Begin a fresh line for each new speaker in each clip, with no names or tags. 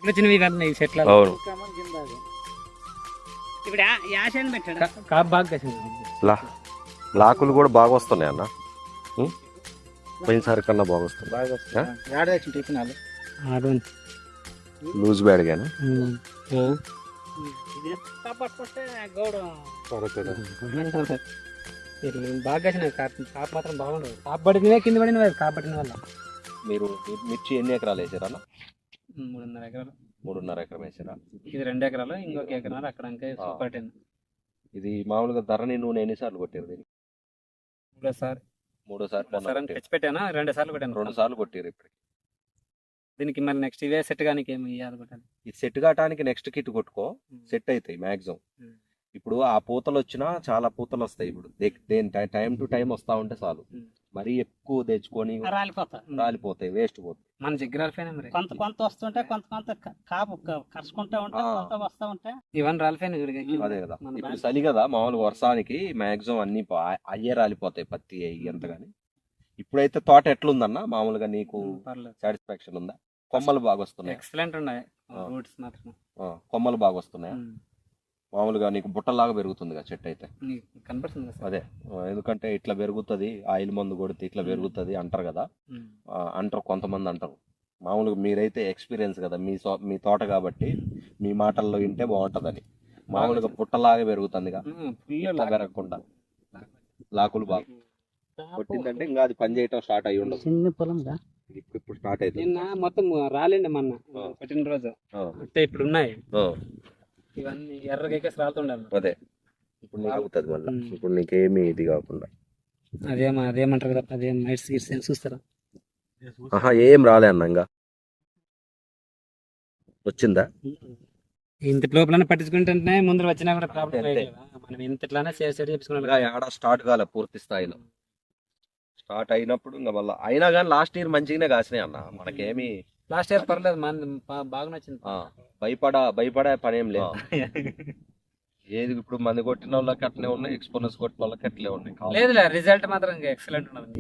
చిన్నవి కానీ ఈ చెట్ల
అవును
ఇప్పుడు యాషన్ పెట్టాడు కాపు బాగా కాసింది.
లాకులు కూడా బాగా వస్తున్నాయి అన్న. పోయినసారి కన్నా బాగా వస్తున్నాయి. లూజ్ బ్యాడ్ గానే
బాగా కాసిన కాపు మాత్రం బాగుండదు. కాపు పడినవే కింద పడిన కాపు పడిన వల్ల.
మీరు మిర్చి ఎన్ని ఎకరాలు వేసారా అన్న?
3.5 ఎకరాలు.
3.5 ఎకరం వేసారా?
ఇది 2 ఎకరాలు, ఇంకొక ఎకరాలు అక్కడ సూపర్ 10.
ఇది మామూలుగా ధరణి నూనె ఎన్నిసార్లు కొట్టారు దీనికి?
మూడోసారి తెచ్చి పెట్టానా? 2 సార్లు కొట్టాను.
2 సార్లు కొట్టారు ఇప్పటికి.
దీనికి మరి నెక్స్ట్ ఇవే సెట్ కానీ ఏమి ఇవ్వాలి కొట్టాలి.
ఇది సెట్ కావడానికి నెక్స్ట్ కిట్ కొట్టుకో, సెట్ అవుతాయి మ్యాక్సిమం. ఇప్పుడు ఆ పూతలు వచ్చినా చాలా పూతలు వస్తాయి. ఇప్పుడు టైం టు టైం వస్తా ఉంటే చాలు. మరీ ఎక్కువ తెచ్చుకొని రాలిపోతాయి, వేస్ట్ పోతాయి.
మన దగ్గర మరి
కొంత వస్తుంటే కొంత కాపు కరుచుకుంటా ఉంటాయి.
ఇవన్నీ రాలిపోయినా చూడగా.
అదే కదా, ఇప్పుడు చలి కదా, మామూలుగా వర్షానికి మ్యాక్సిమం అన్ని అయ్యే రాలిపోతాయి, పత్తి అయ్యి ఎంత గానీ. ఇప్పుడైతే తోట ఎట్లుందన్న మామూలుగా నీకు సాటిస్ఫాక్షన్ ఉందా? కొమ్మలు బాగా వస్తున్నాయి?
ఎక్సలెంట్ ఉన్నాయి. రూట్స్ మాత్రం
కొమ్మలు బాగా వస్తున్నాయా? మామూలుగా నీకు బుట్టలాగా పెరుగుతుంది కదా చెట్టు అయితే
కనపడుతుంది.
అదే, ఎందుకంటే ఇట్లా పెరుగుతుంది, ఆయిల్ మందు కొడితే ఇట్లా పెరుగుతుంది అంటారు కదా. అంటారు కొంతమంది అంటారు. మామూలుగా మీరైతే ఎక్స్పీరియన్స్ కదా, మీ తోట కాబట్టి మీ మాటల్లో వింటే బాగుంటదని. మామూలుగా పుట్టలాగా పెరుగుతుంది పెరగకుండా లాకులు బాగా కొట్టిందంటే ఇంకా అది పని చేయటం స్టార్ట్ అయ్యి ఉండదు.
చిన్న పొలం
ఇప్పుడు స్టార్ట్ అవుతుంది.
నిన్న మొత్తం రాలేండి మొన్న పెట్టిన రోజు అంటే ఇప్పుడు ఉన్నాయి ఇవన్నీ ఎర్రగా రాలుతుండాలి.
అదే ఇప్పుడు నీకు అవుతుంది మళ్ళీ. ఇప్పుడు నీకేమి ఇది కాకుండా
అదేమంటారు కదా, అదేం నైట్స్ గిట్స్ చూస్తారా?
ఏం రాలే అన్న, ఇంకా వచ్చిందా?
ఇంత లోపల పట్టించుకుంటే ముందు వచ్చినా కూడా ప్రాబ్లం లేదు. మనం ఇంతట్లానే సేవ్ చేసుకున్నాం.
ఆడ స్టార్ట్ కాలే పూర్తి స్థాయిలో. స్టార్ట్ అయినప్పుడు ఇంకా మళ్ళీ అయినా కానీ లాస్ట్ ఇయర్ మంచిగానే కాసినాయి అన్న. మనకేమి
లాస్ట్ ఇయర్ పర్లేదు, బాగా నచ్చింది.
భయపడే పని ఏం లేదు. ఏది ఇప్పుడు మంది కొట్టిన వాళ్ళకి అట్లే ఉన్నాయి, ఎక్స్పోనర్స్ కొట్టిన వాళ్ళకి అట్లే ఉన్నాయి.
లేదు రిజల్ట్ మాత్రం ఎక్సలెంట్ ఉన్నది.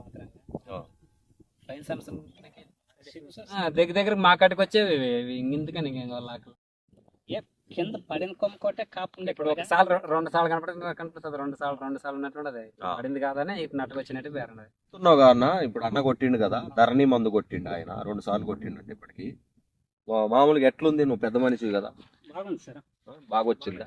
దగ్గర మా కాటికి వచ్చేవి ఇందుకని
కింద పడిన కొమ్మ కొట్టే కాపు.
ఇప్పుడు ఒకసారి 2 సార్లు కనిపిస్తుంది, 2 సార్లు ఉన్నట్టు పడింది కాదని ఇటు నట్టుకు వచ్చినట్టు పేరున్నది.
అన్న ఇప్పుడు అన్న కొట్టిండు కదా, ధరణి మందు కొట్టిండు ఆయన, 2 సార్లు కొట్టిండు. అంటే ఇప్పటికి మామూలుగా ఎట్లుంది? నువ్వు పెద్ద మనిషి కదా,
బాగుంది సార్.
బాగా వచ్చింది.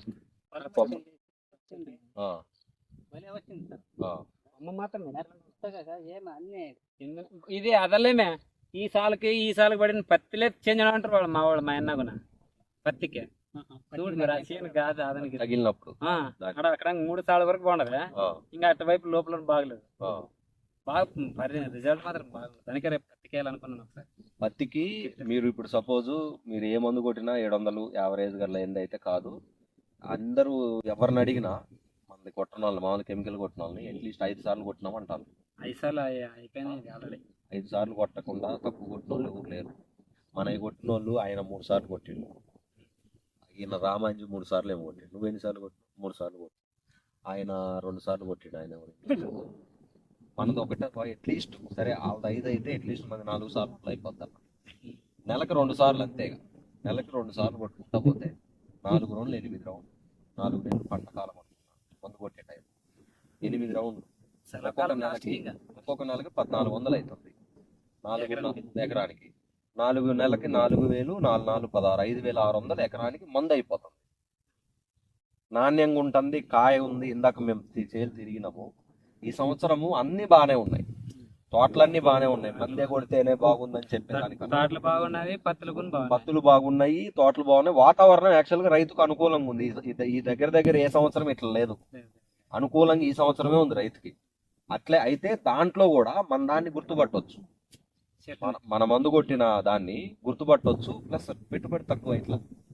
ఇది అదలేమే ఈ సాలకి పడిన పత్తిలే చేంజ్ అంటారు వాళ్ళు, మా వాళ్ళు, మా అన్న కూడా పత్తికి కాదు అదనికి
తగిలినప్పుడు
అక్కడ 3 సార్లు వరకు బాగుండదు. ఇంకా అటువైపు లోపల బాగలేదు. బాగా రిజల్ట్ మాత్రం బాగుంది. దానికి రేపు పత్తికి వేయాలనుకున్నాను ఒకసారి.
పత్తికి మీరు ఇప్పుడు సపోజ్ మీరు ఏ మందు కొట్టినా 700 యావరేజ్ గల అయితే కాదు. అందరూ ఎవరిని అడిగినా మంది కొట్టిన వాళ్ళు, మామూలు కెమికల్ కొట్టిన వాళ్ళని అట్లీస్ట్ 5 సార్లు కొట్టినాం అంటారు.
5 సార్లు అయిపోయినాయి ఆల్రెడీ.
5 సార్లు కొట్టకుండా తక్కువ కొట్టిన వాళ్ళు ఎవరు లేరు. మనకి కొట్టిన వాళ్ళు ఆయన 3 సార్లు కొట్టిండు. ఈయన రామాంజు 3 సార్లు ఏమో కొట్టిండు. నువ్వు ఎన్నిసార్లు కొట్టి? 3 సార్లు కొట్టి ఆయన 2 సార్లు కొట్టిండు. ఆయన మనది ఒకటే అట్లీస్ట్ సరే, వాళ్ళది 5 అయితే అట్లీస్ట్ మనది 4 సార్లు అయిపోతాం. నెలకు 2 సార్లు అంతేగా. నెలకు 2 సార్లు కొట్టుకుంటా పోతే 4 రౌండ్లు 8 రౌండ్లు. 4 నెలలు పంట కాలం మందు కొట్టే టైం 8 రౌండ్లు. ఒక్కొక్క నెలకి 1400 అవుతుంది. 4 ఎకరానికి 4 నెలలకి 4000, 4 16 5600 ఎకరానికి మందు అయిపోతుంది. నాణ్యంగా ఉంటుంది, కాయ ఉంది. ఇందాక మేము చేలు తిరిగినాము. ఈ సంవత్సరము అన్ని బాగానే ఉన్నాయి, తోటలన్నీ బాగానే ఉన్నాయి. మందే కొడితేనే బాగుందని చెప్పేదానికన్నా పత్తులు బాగున్నాయి, తోటలు బాగున్నాయి. వాతావరణం యాక్చువల్ గా రైతుకు అనుకూలంగా ఉంది. ఈ దగ్గర ఏ సంవత్సరం ఇట్లా లేదు, అనుకూలంగా ఈ సంవత్సరమే ఉంది రైతుకి. అట్లే అయితే దాంట్లో కూడా మన దాన్ని గుర్తుపట్టవచ్చు, మన మందు కొట్టిన దాన్ని గుర్తుపట్టవచ్చు. ప్లస్ పెట్టుబడి తక్కువ. ఇట్లా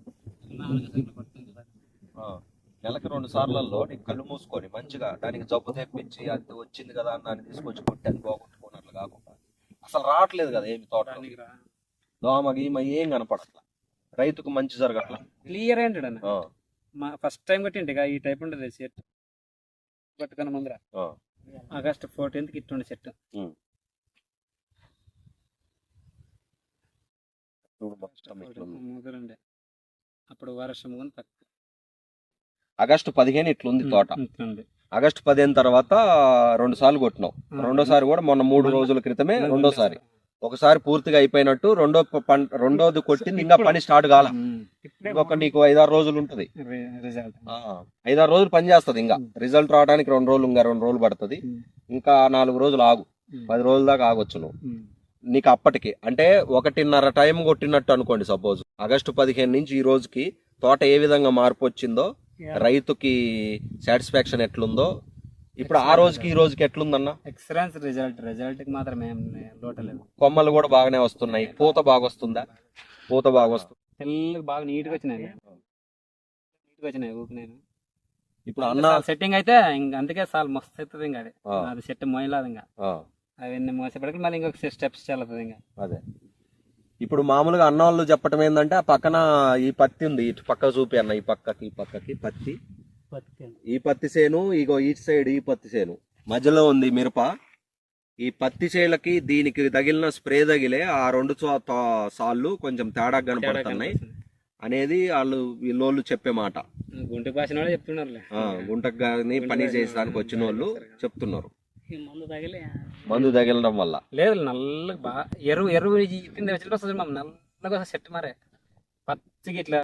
నెలకి 2 సార్లలో నీకు కళ్ళు మూసుకొని మంచిగా దానికి జబ్బు తెప్పించి అది వచ్చింది కదా అని దాన్ని తీసుకొచ్చి కొట్టి అది పోగొట్టుకున్నట్లు కాకుండా అసలు రావట్లేదు కదా ఏమి తోట, దోమ గీమ ఏం కనపడట్లా, రైతుకు మంచి జరగట్లా.
క్లియర్ ఏంటంటే ఫస్ట్ టైం కొట్టింటి ఈ టైప్ ఉండదు చెట్టు పట్టుకున్న ముందర. ఆగస్ట్ 14th ఇట్టుండే చెట్టు.
చూడు మొత్తం ఇట్లుంది.
ముదురుండే అప్పుడు వర్షం కూడా తక్కువ
ఆగస్టు 15 ఇట్లుంది తోట.
ఇట్లుంది.
ఆగస్టు 15 తర్వాత 2 సార్లు కొట్టినావు. రెండోసారి కూడా మొన్న 3 రోజుల క్రితమే రెండోసారి. ఒకసారి పూర్తిగా అయిపోయినట్టు రెండోది కొట్టింది, ఇంకా పని స్టార్ట్ కాల. ఇంకొక నీకు 5-6 రోజులు ఉంటది.
రిజల్ట్
5-6 రోజులు పని చేస్తుంది. ఇంకా రిజల్ట్ రావడానికి 2 రోజులు, ఇంకా 2 రోజులు పడుతుంది. ఇంకా 4 రోజులు ఆగు, 10 రోజుల దాకా ఆగొచ్చు నువ్వు. నీకు అప్పటికి అంటే 1.5 టైం కొట్టినట్టు అనుకోండి. సపోజ్ ఆగస్టు 15 నుంచి ఈ రోజుకి తోట ఏ విధంగా మార్పు వచ్చిందో, రైతుకి సాటిస్ఫాక్షన్ ఎట్లుందో, ఇప్పుడు ఆ రోజుకి ఈ రోజుకి ఎట్లుందన్న?
ఎక్సలెన్స్ రిజల్ట్ కి మాత్రం ఏం లోటలేదు.
కొమ్మలు కూడా బాగానే వస్తున్నాయి. పూత బాగా వస్తుందా? పూత బాగా వస్తుంది.
తెల్లగా బాగా నీట్ గా వచ్చినాయి. ఊపినాయి.
ఇప్పుడు అన్న
సెట్టింగ్ అయితే ఇంకా అందుకే సాల్ మస్తు అవుతుంది. ఇంకా అది సెట్ మోయలేదు. ఇంకా అవన్నీ మోసేపటికి మళ్ళీ ఇంకొక స్టెప్స్ చల్లుతుంది. ఇంకా
అదే ఇప్పుడు మామూలుగా అన్న వాళ్ళు చెప్పటం ఏంటంటే, ఆ పక్కన ఈ పత్తి ఉంది, ఇటు పక్క చూపి అన్న, ఈ పక్కకి పత్తి, ఈ పత్తి చేను, ఇగో ఈ సైడ్ ఈ పత్తి చేను, మధ్యలో ఉంది మిరప. ఈ పత్తి చేలకి దీనికి తగిలిన స్ప్రే తగిలే ఆ 2 సార్లు కొంచెం తేడా కనపడుతున్నాయి అనేది వీళ్ళోళ్ళు చెప్పే మాట.
గుంట పాసిన వాళ్ళు చెప్తున్నారు.
గుంటకు గాని పని చేసడానికి వచ్చిన వాళ్ళు చెప్తున్నారు. మందు తగిలడం వల్ల
లేదు, నల్లగా బాగా ఎరువు కింద వచ్చిన నల్లగా సెట్ మారే పచ్చికి ఇట్లా